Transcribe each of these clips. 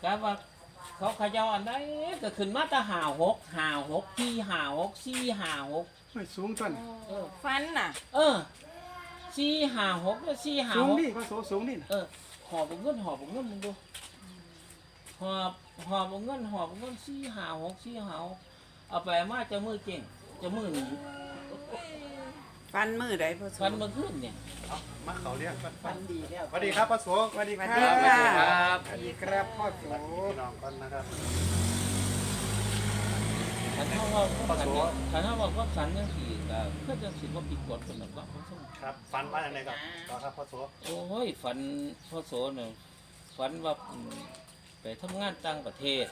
ก็ว่าเขาเขย่าอันใดก็ขึ้นมาแต่56ที่56 4 56 ไม่สูงต้นฟันน่ะ 4 5 6แล้ว4 5 สูง 6 นี่ก็สูงนี่นะหอบเงินมึงดูหอบเงิน4 5 6เอาไปมาจะมือเก่งจะมือหนีฟันมือใดพ่อโสฟันมาขึ้นเนี่ยเอามาเขาเรียกกันฟันดีแล้วสวัสดีครับพ่อโสสวัสดีครับสวัสดีค่ะสวัสดีครับพ่อโสพี่น้องกันนะครับขันเท่าว่าก็สันยังสี่ก็เพื่อจะสิว่าผิดกฎคนหนึ่งก็ครับฟันมาอย่างไรครับต่อครับพ่อโสโอ้ยฝันพ่อโสเนี่ยฝันว่าไปทำงานต่างประเทศ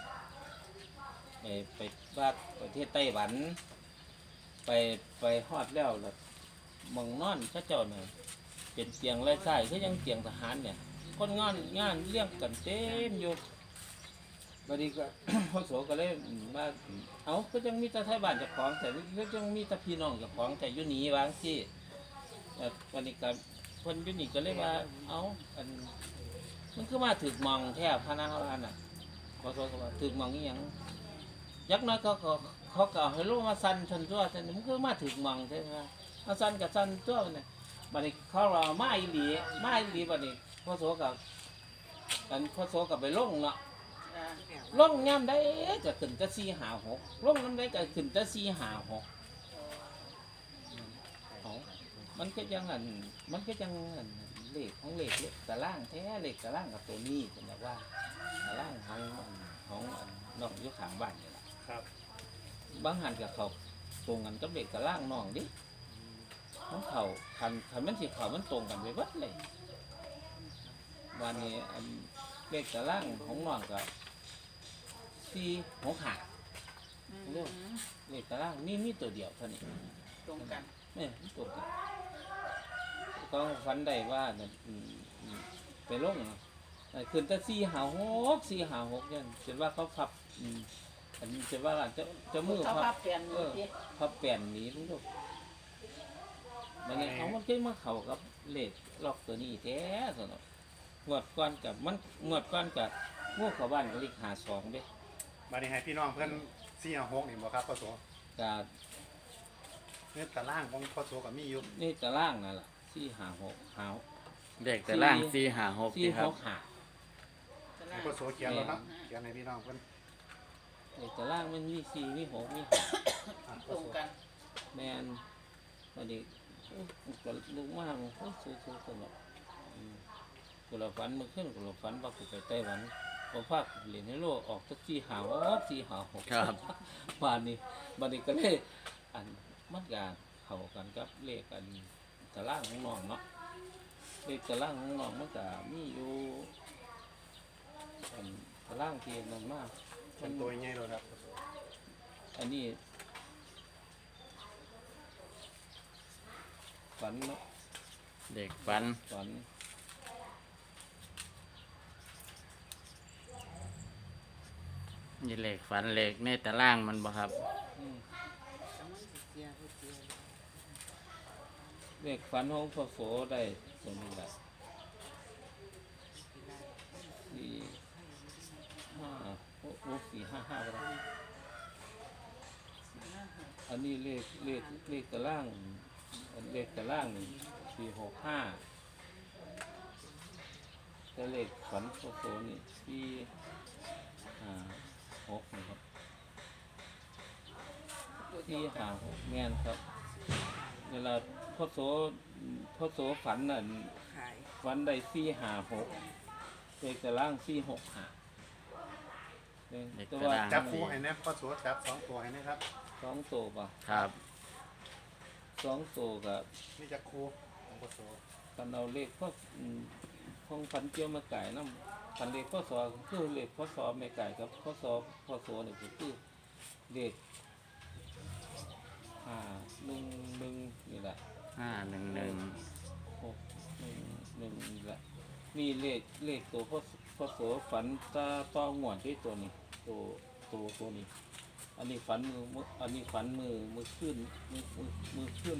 ไปบ้านประเทศไต้หวันไปฮอดแล้วล่ะมองนอนข้าเจ้าเนี่ยเป็นเตียงไร้ไส้ก็ยังเตียงทหารเนี่ยคนงานเลี้ยงกันเต็มอยู่บัดนี้ก็ พ่อโสก็เลยมาเอาก็ยังมีแต่ไทยบ้านเจ้าของแต่ก็ยังมีแต่พี่น้องเจ้าของแต่อยู่หนีวางที่วันนี้ก็คนอยู่นี่ก็เลยว่าเอาอันมันคือมาถึกมองแทบพนาว่าน่ะพ่อโสก็ว่าถึกมองนี่ยังยักน้อยเขาก็ให้ลูกมาสั่นชนตัวสั่นมันคือมาถึกมองใช่ไหมมาสั่นกับสั่นตัวเนี่ยบัดนี้เขาเรามาอีหลีบัดนี้พ่อโสกับไปลงเนาะลงย่ำได้ก็ขึ้นแต่4 5 6ลงน้ำได้ก็ขึ้นแต่4 5 6มันก็ยังเลขของเลขตารางแท้เลขตารางกับตัวนี้เป็นแบบว่าตารางของน้องอยู่ข้างบ้านนี่แหละครับบางหันกับเขาตรงกันกับเลขตารางน้องดิมันเขาคันมันสิเขามันตรงกันไปวัดเลยวันนี้เลขตารางของน้องกับ4 6 5เรื่องเลขตารางมีตัวเดียวเท่านี้ตรงกันเนี่ยตรงกันก็ฝันได้ว่าไปลงขึ้นแต่4 5 6เนี่ยเห็นว่าเขาพับอันนี้จะว่าจะมือเขาพัพับบเปลี่ยนมือที่พับแป่นหนีลูกมันไงเอามันขึ้นมาเข่ากับเลขล็อกตัวนี้แท้สนงวดก้อนกับงูเข้าบ้านก็เลข52เด้มาในให้พี่น้องเพื่อน4 6นี่บ่ครับพ่อโสกับเนี่ยตารางของพ่อโสกับมีอยู่นี่ตารางนั่นแหละ4 5 6 เด็กแต่ล่าง4 5 6 4 ที่ครับ 6 5 ให้พ่อโสเขียนแล้วครับเขียนให้พี่น้องเพื่อนตารางมันมี4มี6มีตรงกัน 5แมนพอดีก็ลุกมากสู้ๆสนุกกูเราฝันเมื่อคืนกูเราฝันว่ากูไปไต้หวันพอภาคเหรียญให้โลออกสัก4 5 6 ครับบ้านนี้ก็เลยอันมันกาเข้ากันกับเลขอันตารางของน้องเนาะเลขตารางของน้องมันก็มีอยู่อันตารางที่นั่นมากเป็นตัวใหญ่เลยครับอันนี้ฝันเนาะเด็กฝันฝันนี่เหล็กฝันเหล็กในแต่ล่างมันบ่ครับเลขฝันของพ่อโสได้สมนี้แหละ4 5 ก็ได้อันนี้เลขตารางเลขตารางนี่4 6 5แต่เลขฝันพ่อโสนี่4 5 6นะครับ4 5 6แม่นครับเวลาพ่อโสฝันน่ะขายฝันได้4 5 6เลขตาราง4 6 5 เลขแต่ตาว่ารางจับคู่ให้แน่พ่อโสจับ2 ตัวให้นะครับ 2 ตัวป่ะครับ 2 ตัวกับนี่จะคู่ของพ่อโสกันเอาเลขพ่อของฝันเกี่ยวมาไก่น้ำฝันเลขพ่อโสคือเลขพ่อโสไม่ไก่ครับพ่อโสนี่คือเลข1 1นี่แหละ 511 6 1 1นี่แหละมีเลขตัวพ่อโสฝันต่อหงวนที่ตัวนี้ตัวนี้อันนี้ฝันมือขึ้น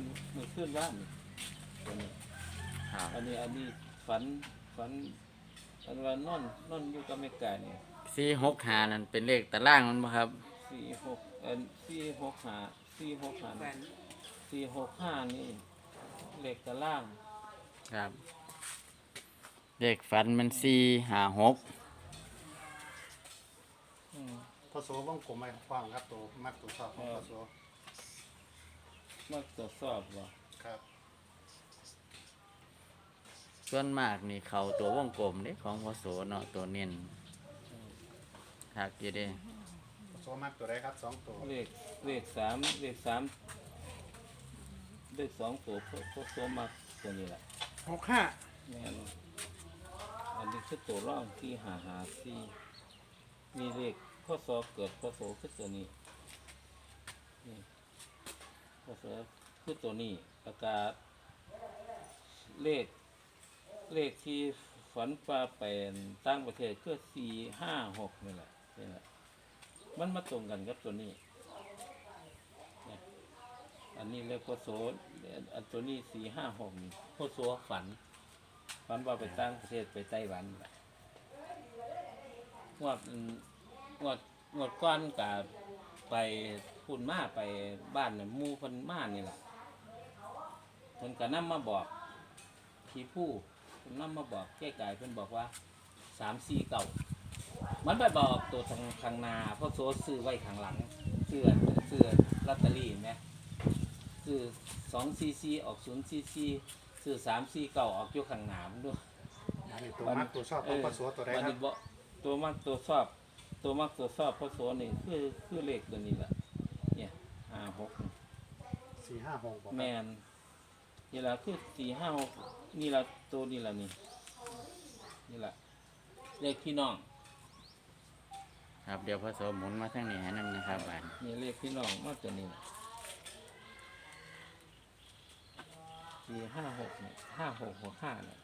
ว่านตัวนี้ครับอันนี้ฝันอันว่านอนอยู่กับแม่กานี่ 465นั่นเป็นเลขตารางมันบ่ครับ 465 ฝัน 465นี่เลขตารางครับ เลขฝันมัน456 อืมพอโสวงกลมไว้กว้างครับตัวมัดตัวชอบของพอโสมาตรวจสอบว่าครับส่วนมากนี่เขาตัววงกลมเด้ของพศเนาะตัวเน้นทักอยู่เด้พอโสมัดตัวใดครับสองตัวเลข3เลข2ตัวพวกตัวมาตัวนี้แหละ 65 แม่นอันนี้คือตัวร่องที่หาซี่มีเลขข้อสอบเกิดข้อโสคือตัวนี้นี่ข้อสอบคือตัวนี้อากาศเลขที่ฝันปลาเป็นต่างประเทศคือ456นี่แหละนี่แหละมันมาตรงกันกับตัวนี้เนี่ยอันนี้เลขข้อโสอันตัวนี้456นี่ข้อโสฝันว่าไปต่างประเทศไปไต้หวันแหละงวดก้อนกับไปพูนมาไปบ้านน่ะหมู่เพิ่นมานี่แหละเพิ่นก็นำมาบอกผีผู้เพิ่นนำมาบอกแก้ไก่เพิ่นบอกว่า349มันไปบอกตัวทางนาเพราะโซซื้อไว้ข้างหลังซื้อลอตเตอรี่แม่ซื้อ244ออก044ซื้อ349ออกอยู่ข้างหน้ามันด้วยอันนี้ตัวมัดตัวชอบของพอโสตัวใดครับตัวมักตัวชอบพศนี่คือเลขตัวนี้แหละเนี่ย56 456บอกคแมรับนนี่ละคือ456นี่ละตัวนี่ละนี่ละเลขพี่น้องครับเดี๋ยวพศหมุนมาทางนี้ให้นำนะครับบาดนี่เลขพี่น้องมาตัวนี้ล่ะ456เนี่ย5665เนี่ย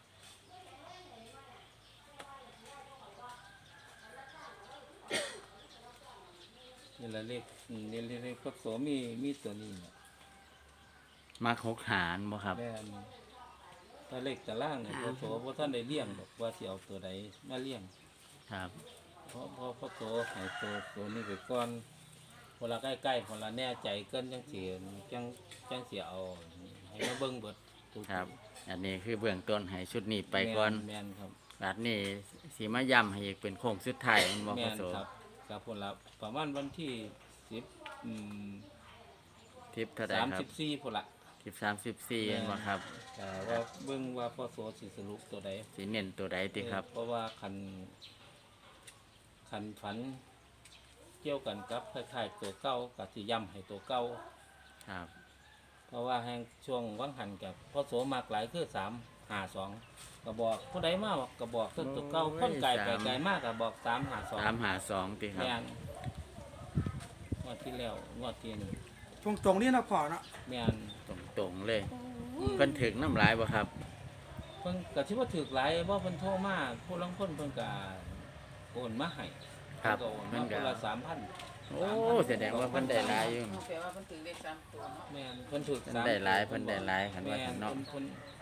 นี่ละเลขเลขพศมีตัวนี้เนี่ยมัก6หารบ่ครับแม่นถ้าเลขตารางเนี่ยพศบ่ท่านได้เลี้ยงดอกว่าสิเอาตัวใดมาเลี้ยงครับเพราะพศให้ตัวนี้ไปก่อนพอละใกล้ๆพอละแน่ใจเกินจังสิจังสิเอาให้มาเบิ่งเบิดทุกครับ อันนี้คือเบื้องต้นให้ชุดนี้ไปก่อนแม่นครับบาดนี้สิมาย้ำให้อีกเป็นโค้งสุดท้ายมันบ่แม่พนศครับกับพนละประมาณวันที่10 ทิปเท่าใดครับ 34พุ่นละทิป34เห็นบ่ครับว่าเบิ่งว่าพศสิสรุปตัวใดสิเน้นตัวใดติครับเพราะว่าคันฝันเกี่ยวกันกับคล้ายๆตัวเก่ากับสิย้ำให้ตัวเก่าครับเพราะว่าแห่งช่วงวังหันกับพ่อโสมากหลายคือ352ก็บอกผู้ใดมาบอกก็บอกตัวเก่าคนไกลไปไกลมากก็บอก352 352ติครับแม่นงวดที่แล้วงวดที่นึงตรงๆนี่เนาะพ่อเนาะแม่นตรงๆเลยเพิ่นถึกน้ำลายบ่ครับเพิ่นก็สิว่าถูกหลายบ่เพิ่นโทรมาผู้ลางคนเพิ่นก็โอนมาให้ครับเพิ่นก็โอนเพิ่มาน คนก็ละ 3,000 โอ้แสดงว่าเพิ่นได้หลายอยู่เอาแปลว่าเพิ่นถึงเลข3ตัวเนาะแม่นเพิ่นถูกเพิ่นได้หลายเพิ่นได้หลายคันแม่ว่าซั่นนเนาะเพิ่น